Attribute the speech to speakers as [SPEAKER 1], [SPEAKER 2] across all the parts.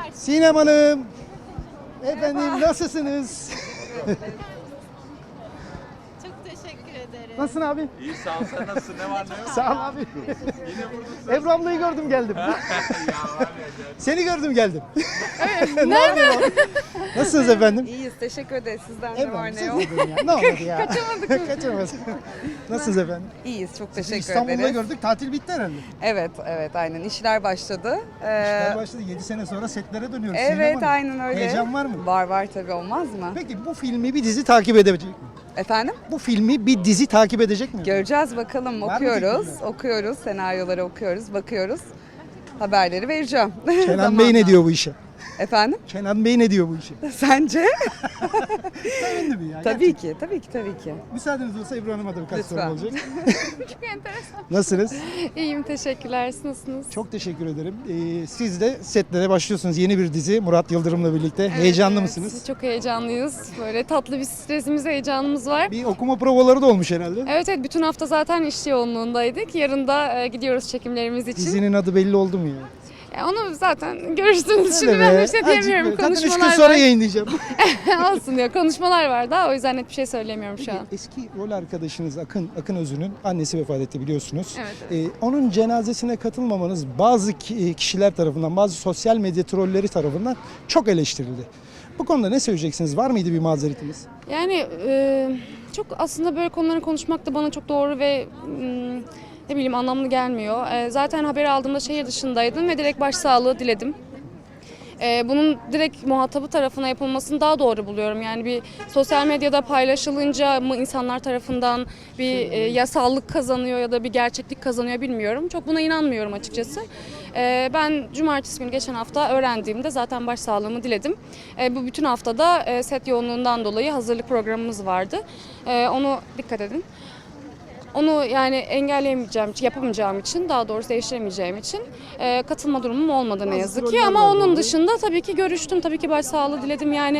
[SPEAKER 1] Sinem Hanım. Efendim nasılsınız?
[SPEAKER 2] Çok teşekkür ederim.
[SPEAKER 1] Nasılsın abi?
[SPEAKER 3] İyi sağ ol, sen nasılsın, ne var ne yok?
[SPEAKER 1] Sağ ol abi.
[SPEAKER 3] Yine buradasın.
[SPEAKER 1] Ebru ablayı gördüm geldim.
[SPEAKER 3] Ya var ya.
[SPEAKER 1] Seni gördüm geldim. Nerede? Nasılsınız efendim?
[SPEAKER 4] İyiyiz, teşekkür ederiz. Sizden de var ne
[SPEAKER 1] siz
[SPEAKER 4] yok.
[SPEAKER 1] de durun ya. Ne olmadı ya? Kaçamadık. Nasılsınız efendim?
[SPEAKER 4] İyiyiz, çok
[SPEAKER 1] Sizi
[SPEAKER 4] teşekkür
[SPEAKER 1] İstanbul'da
[SPEAKER 4] ederiz.
[SPEAKER 1] gördük. Tatil bitti herhalde.
[SPEAKER 4] Evet, aynen. İşler başladı.
[SPEAKER 1] İşler başladı. 7 sene sonra setlere dönüyoruz. Sinem
[SPEAKER 4] Evet,
[SPEAKER 1] Hanım.
[SPEAKER 4] aynen öyle.
[SPEAKER 1] Heyecan var mı?
[SPEAKER 4] Var tabii, olmaz mı?
[SPEAKER 1] Peki bu filmi bir dizi takip edebilecek mi?
[SPEAKER 4] Efendim?
[SPEAKER 1] Bu filmi bir dizi takip edecek mi?
[SPEAKER 4] Göreceğiz bakalım.
[SPEAKER 1] Var mı
[SPEAKER 4] Okuyoruz,
[SPEAKER 1] teklifler?
[SPEAKER 4] okuyoruz. Senaryoları okuyoruz, bakıyoruz. Haberleri vereceğim.
[SPEAKER 1] Kenan
[SPEAKER 4] Zamanla.
[SPEAKER 1] Bey ne diyor bu işe?
[SPEAKER 4] Efendim?
[SPEAKER 1] Kenan Bey ne diyor bu işe?
[SPEAKER 4] Sence?
[SPEAKER 1] Sevindim ya.
[SPEAKER 4] Tabii ki, tabii ki.
[SPEAKER 1] Müsaadeniz olsa Ebru Hanım'a da birkaç soru
[SPEAKER 4] Lütfen.
[SPEAKER 1] olacak.
[SPEAKER 2] Çok enteresan.
[SPEAKER 1] Nasılsınız?
[SPEAKER 2] İyiyim, teşekkürler. Siz nasılsınız?
[SPEAKER 1] Çok teşekkür ederim. Siz de setlere başlıyorsunuz. Yeni bir dizi Murat Yıldırım'la birlikte. Heyecanlı
[SPEAKER 2] Evet,
[SPEAKER 1] mısınız?
[SPEAKER 2] Çok heyecanlıyız. Böyle tatlı bir stresimiz, heyecanımız var.
[SPEAKER 1] Bir okuma provaları da olmuş herhalde.
[SPEAKER 2] Evet, bütün hafta zaten iş yoğunluğundaydık. Yarın da gidiyoruz çekimlerimiz için.
[SPEAKER 1] Dizinin adı belli oldu mu ya?
[SPEAKER 2] Onu zaten görürsünüz. Şimdi
[SPEAKER 1] Öyle
[SPEAKER 2] ben
[SPEAKER 1] be.
[SPEAKER 2] bir şey diyemiyorum.
[SPEAKER 1] Azıcık böyle. Zaten 3 gün
[SPEAKER 2] Konuşmalar
[SPEAKER 1] sonra
[SPEAKER 2] var.
[SPEAKER 1] yayınlayacağım.
[SPEAKER 2] Olsun diyor. Konuşmalar var daha. O yüzden net bir şey söyleyemiyorum şu an.
[SPEAKER 1] Eski rol arkadaşınız Akın Özün'ün annesi vefat etti biliyorsunuz.
[SPEAKER 2] Evet,
[SPEAKER 1] Onun cenazesine katılmamanız bazı kişiler tarafından, bazı sosyal medya trolleri tarafından çok eleştirildi. Bu konuda ne söyleyeceksiniz? Var mıydı bir mazeretiniz?
[SPEAKER 2] Yani çok aslında böyle konuları konuşmak da bana çok doğru ve ne bileyim anlamlı gelmiyor. Zaten haberi aldığımda şehir dışındaydım ve direkt başsağlığı diledim. Bunun direkt muhatabı tarafına yapılmasını daha doğru buluyorum. Yani bir sosyal medyada paylaşılınca mı insanlar tarafından bir yasallık kazanıyor ya da bir gerçeklik kazanıyor bilmiyorum. Çok buna inanmıyorum açıkçası. Ben cumartesi günü geçen hafta öğrendiğimde zaten başsağlığımı diledim. Bu bütün haftada set yoğunluğundan dolayı hazırlık programımız vardı. Onu dikkat edin. Onu yani engelleyemeyeceğim, yapamayacağım için, daha doğrusu değiştiremeyeceğim için katılma durumum olmadı ne
[SPEAKER 1] Bazı
[SPEAKER 2] yazık ki.
[SPEAKER 1] troller
[SPEAKER 2] Ama
[SPEAKER 1] var
[SPEAKER 2] onun
[SPEAKER 1] böyle.
[SPEAKER 2] dışında tabii ki görüştüm, tabii ki başsağlığı diledim. Yani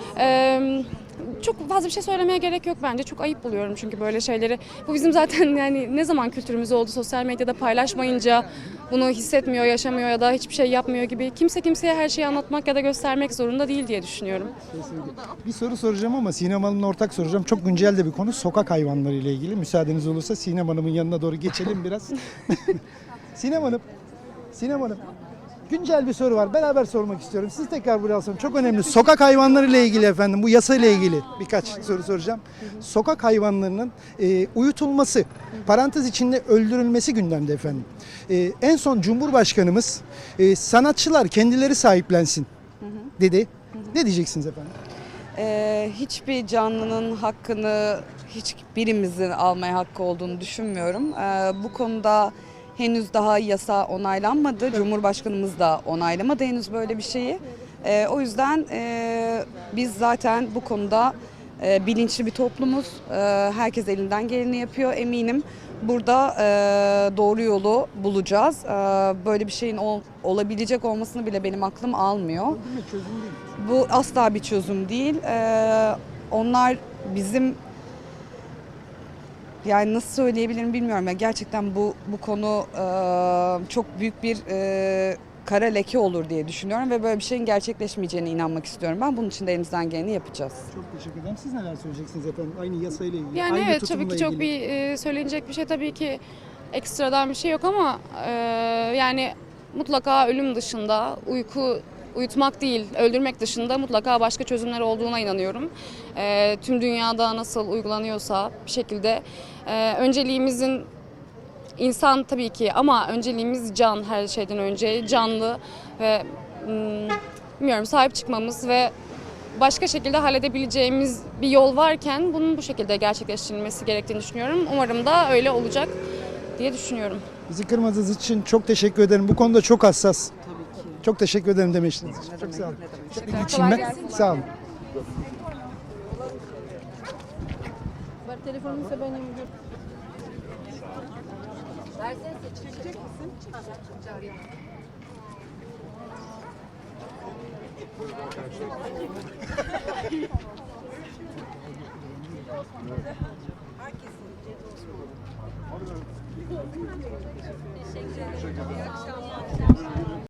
[SPEAKER 2] çok fazla bir şey söylemeye gerek yok bence. Çok ayıp buluyorum çünkü böyle şeyleri. Bu bizim zaten yani ne zaman kültürümüz oldu, sosyal medyada paylaşmayınca bunu hissetmiyor, yaşamıyor ya da hiçbir şey yapmıyor gibi. Kimse kimseye her şeyi anlatmak ya da göstermek zorunda değil diye düşünüyorum.
[SPEAKER 1] Bir soru soracağım ama Sinem Hanım'la ortak soracağım. Çok güncel de bir konu. Sokak hayvanları ile ilgili. Müsaadeniz olursa Sinem Hanım'ın yanına doğru geçelim biraz. Sinem Hanım. Güncel bir soru var. Beraber sormak istiyorum. Siz tekrar buraya alsam. Çok önemli. Sokak hayvanları ile ilgili efendim. Bu yasa ile ilgili birkaç soru soracağım. Sokak hayvanlarının uyutulması, parantez içinde öldürülmesi gündemde efendim. En son Cumhurbaşkanımız sanatçılar kendileri sahiplensin dedi. Ne diyeceksiniz efendim?
[SPEAKER 4] Hiçbir canlının hakkını hiçbirimizin almaya hakkı olduğunu düşünmüyorum. Bu konuda henüz daha yasa onaylanmadı. Cumhurbaşkanımız da onaylamadı henüz böyle bir şeyi. O yüzden biz zaten bu konuda bilinçli bir toplumuz. Herkes elinden geleni yapıyor eminim. Burada doğru yolu bulacağız. Böyle bir şeyin olabilecek olmasını bile benim aklım almıyor. Bu asla bir çözüm değil. Onlar bizim yani nasıl söyleyebilirim bilmiyorum. Yani gerçekten bu konu çok büyük bir kara leke olur diye düşünüyorum ve böyle bir şeyin gerçekleşmeyeceğine inanmak istiyorum. Ben bunun için de elimizden geleni yapacağız.
[SPEAKER 1] Çok teşekkür ederim. Siz neler söyleyeceksiniz efendim? Aynı yasayla ilgili.
[SPEAKER 2] Yani
[SPEAKER 1] aynı
[SPEAKER 2] evet
[SPEAKER 1] tutumla
[SPEAKER 2] tabii ki çok
[SPEAKER 1] ilgili.
[SPEAKER 2] bir söylenecek bir şey tabii ki ekstradan bir şey yok ama yani mutlaka ölüm dışında uyutmak değil öldürmek dışında mutlaka başka çözümler olduğuna inanıyorum. Tüm dünyada nasıl uygulanıyorsa bir şekilde önceliğimizin insan tabii ki ama önceliğimiz can, her şeyden önce canlı ve bilmiyorum sahip çıkmamız ve başka şekilde halledebileceğimiz bir yol varken bunun bu şekilde gerçekleştirilmesi gerektiğini düşünüyorum. Umarım da öyle olacak diye düşünüyorum.
[SPEAKER 1] Bizi kırmadığınız için çok teşekkür ederim. Bu konuda çok hassas.
[SPEAKER 4] Tabii ki.
[SPEAKER 1] Çok teşekkür ederim demiştiniz. Çok sağ olun.
[SPEAKER 4] Ne demek.
[SPEAKER 1] Bir geçeyim ben. Sağ olun.
[SPEAKER 2] Telefonumsa benim.
[SPEAKER 5] Teşekkür ederim. İyi akşamlar.